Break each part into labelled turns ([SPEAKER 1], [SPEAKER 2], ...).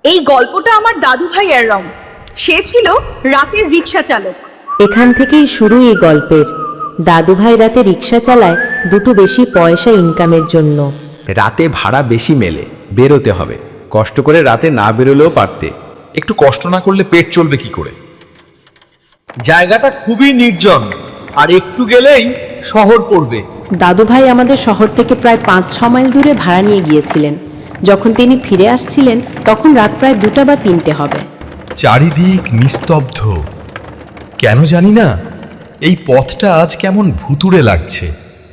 [SPEAKER 1] এই গল্পটা আমার দাদু ভাইয়ের রং। সে ছিল রাতের রিক্সা চালক।
[SPEAKER 2] এখান থেকেই শুরু এই গল্পের। দাদুভাই রাতে রিক্সা চালায় দুটো বেশি পয়সা ইনকামের জন্য।
[SPEAKER 3] রাতে ভাড়া বেশি মেলে, বেরোতে হবে। কষ্ট করে রাতে না বেরোলেও পারতে।
[SPEAKER 4] একটু কষ্ট না করলে পেট চলবে কি করে?
[SPEAKER 5] জায়গাটা খুবই নির্জন, আর একটু গেলেই শহর পড়বে।
[SPEAKER 2] দাদুভাই আমাদের শহর থেকে প্রায় 5-6 মাইল দূরে ভাড়া নিয়ে গিয়েছিলেন। যখন তিনি ফিরে আসছিলেন তখন রাত প্রায় 2টা বা 3টে হবে।
[SPEAKER 4] চারিদিক নিস্তব্ধ। কেন জানি না, এই পথটা আজ কেমন ভুতুড়ে লাগছে।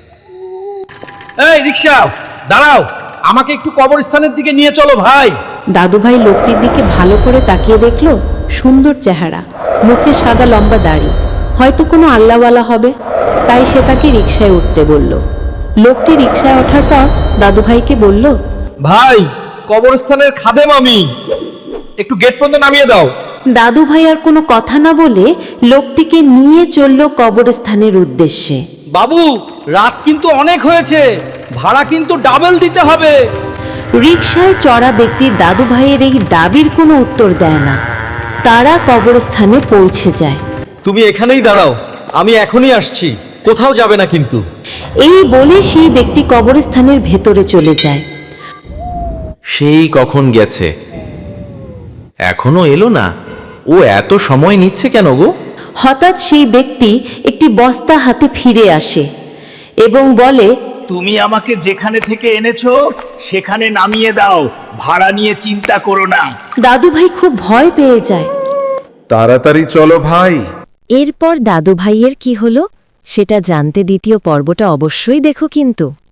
[SPEAKER 5] এই রিক্সা, দাঁড়াও, আমাকে একটু কবরস্থানের দিকে নিয়ে চলো ভাই।
[SPEAKER 2] দাদুভাই লোকটির দিকে ভালো করে তাকিয়ে দেখলো, সুন্দর চেহারা, মুখে সাদা লম্বা দাড়ি, হয়তো কোনো আল্লাহওয়ালা হবে। তাই সে তাকে রিকশায় উঠতে বলল। লোকটি রিকশায় ওঠার পর দাদুভাইকে বলল,
[SPEAKER 5] ভাই, কবরস্থানের খাদেম আমি, একটু গেট পর্যন্ত নামিয়ে দাও।
[SPEAKER 2] দাদুভাই আর কোনো কথা না বলে লোকটিকে নিয়ে চলল কবরস্থানের উদ্দেশ্যে।
[SPEAKER 5] বাবু, রাত কিন্তু অনেক হয়েছে, ভাড়া কিন্তু ডাবল দিতে হবে।
[SPEAKER 2] রিকশায় চড়া ব্যক্তি দাদুভাইয়ের এই দাবির কোনো উত্তর দেয় না। তারা কবরস্থানে পৌঁছে যায়।
[SPEAKER 5] তুমি এখানেই দাঁড়াও, আমি এখনই আসছি, কোথাও যাবে না কিন্তু।
[SPEAKER 2] এই বলে সেই ব্যক্তি কবরস্থানের ভেতরে চলে যায়।
[SPEAKER 3] সেই কখন গেছে, এখনো এলো না। ও এত সময় নিচ্ছে কেন গো?
[SPEAKER 2] হঠাৎ সেই ব্যক্তি একটি বস্তা হাতে ফিরে আসে এবং বলে,
[SPEAKER 6] তুমি আমাকে যেখানে থেকে এনেছো সেখানে নামিয়ে দাও, ভাড়া নিয়ে চিন্তা করো না।
[SPEAKER 2] দাদুভাই খুব ভয় পেয়ে যায়।
[SPEAKER 7] তাড়াতাড়ি চলো ভাই।
[SPEAKER 2] এরপর দাদুভাইয়ের কি হলো সেটা জানতে দ্বিতীয় পর্বটা অবশ্যই দেখো কিন্তু।